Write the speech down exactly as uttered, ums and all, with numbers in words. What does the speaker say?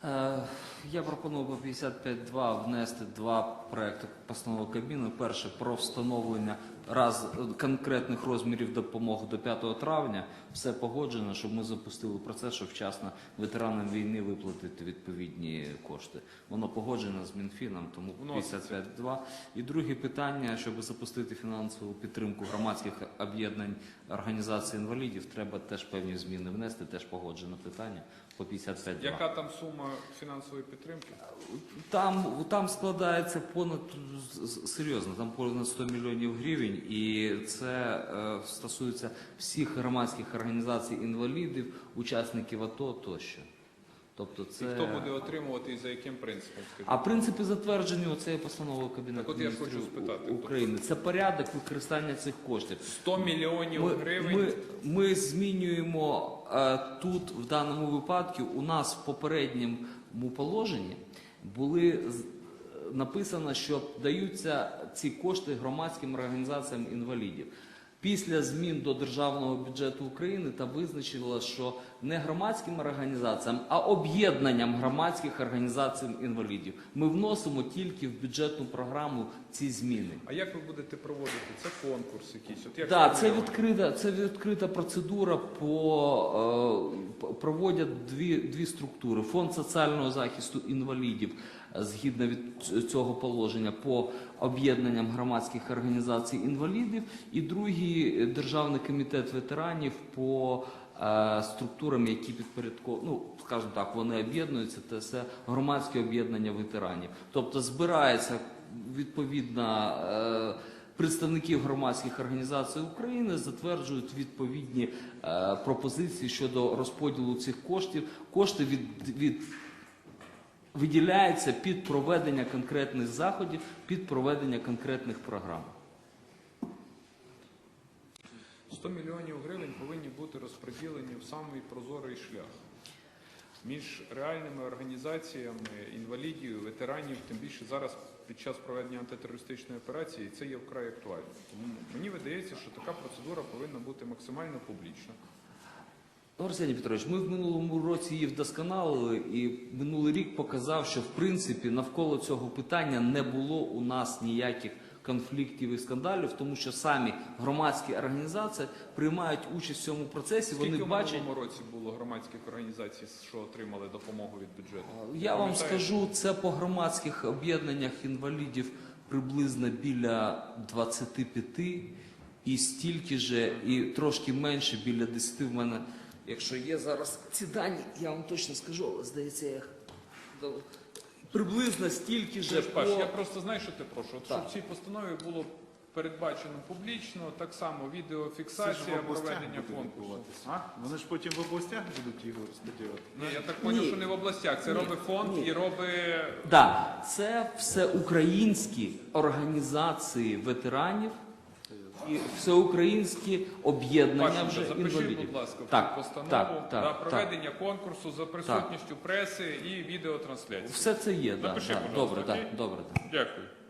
Е, Я пропоную по п'ятдесят п'ять два внести два проекти постанови Кабміну. Перше – про встановлення раз конкретних розмірів допомоги до п'ятого травня. Все погоджено, щоб ми запустили процес, щоб вчасно ветеранам війни виплатити відповідні кошти. Воно погоджено з Мінфіном, тому п'ятдесят п'ять два. І друге питання, щоб запустити фінансову підтримку громадських об'єднань організацій інвалідів, треба теж певні зміни внести, теж погоджено питання по п'ятдесят п'ять два. Яка там сума фінансової підтримки? Там, там складається понад, серйозно, там понад сто мільйонів гривень, і це е, стосується всіх громадських організацій інвалідів, учасників АТО тощо. Тобто це... І хто буде отримувати і за яким принципом? Скажіть? А принципи затверджені оцею постановою Кабінету Так от я ж Міністрів хочу спитати, України. Це порядок використання цих коштів. сто мільйонів Ми, гривень? ми, ми змінюємо е, тут, в даному випадку, у нас в попередньому положенні були написано, що даються ці кошти громадським організаціям інвалідів. Після змін до Державного бюджету України та визначило, що не громадським організаціям, а об'єднанням громадських організацій інвалідів. Ми вносимо тільки в бюджетну програму ці зміни. А як ви будете проводити? Це конкурс якийсь? От як Так, це відкрита, це відкрита процедура, по, е, проводять дві, дві структури. Фонд соціального захисту інвалідів, згідно від цього положення, по об'єднанням громадських організацій інвалідів, і другий Державний комітет ветеранів по е, структурам, які підпорядковані, ну, скажімо так, вони об'єднуються, це громадське об'єднання ветеранів. Тобто збирається відповідно е, представників громадських організацій України, затверджують відповідні е, пропозиції щодо розподілу цих коштів. Кошти від, від виділяється під проведення конкретних заходів, під проведення конкретних програм. сто мільйонів гривень повинні бути розподілені в самий прозорий шлях між реальними організаціями інвалідів, ветеранів, тим більше зараз під час проведення антитерористичної операції це є вкрай актуально. Тому мені видається, що така процедура повинна бути максимально публічна. Арсеній Петрович, ми в минулому році її вдосконалили, і минулий рік показав, що в принципі навколо цього питання не було у нас ніяких конфліктів і скандалів, тому що самі громадські організації приймають участь в цьому процесі. Скільки вони в бачать... минулому році було громадських організацій, що отримали допомогу від бюджету? Я вам скажу, це по громадських об'єднаннях інвалідів приблизно біля двадцяти п'яти, і стільки же, і трошки менше, біля десяти в мене. Якщо є зараз ці дані, я вам точно скажу, але здається, я приблизно стільки ж. Паш, по... я просто знаю, що ти прошу. От, так. щоб в цій постанові було передбачено публічно, так само відеофіксація проведення конкурсу. А? Вони ж потім в областях будуть його розподілити. Ні, я так зрозумів, що не в областях. Це Ні. робить фонд Ні. і робить... Да, це всеукраїнські організації ветеранів і всеукраїнські об'єднання вже запишіть, інвалідів. будь ласка, в так, цю постанову так, так, на так, проведення конкурсу за присутністю преси і відеотрансляції. Все це є, да, Запиши, да. будь ласка, Добре, окей? так, добре. Так. Дякую.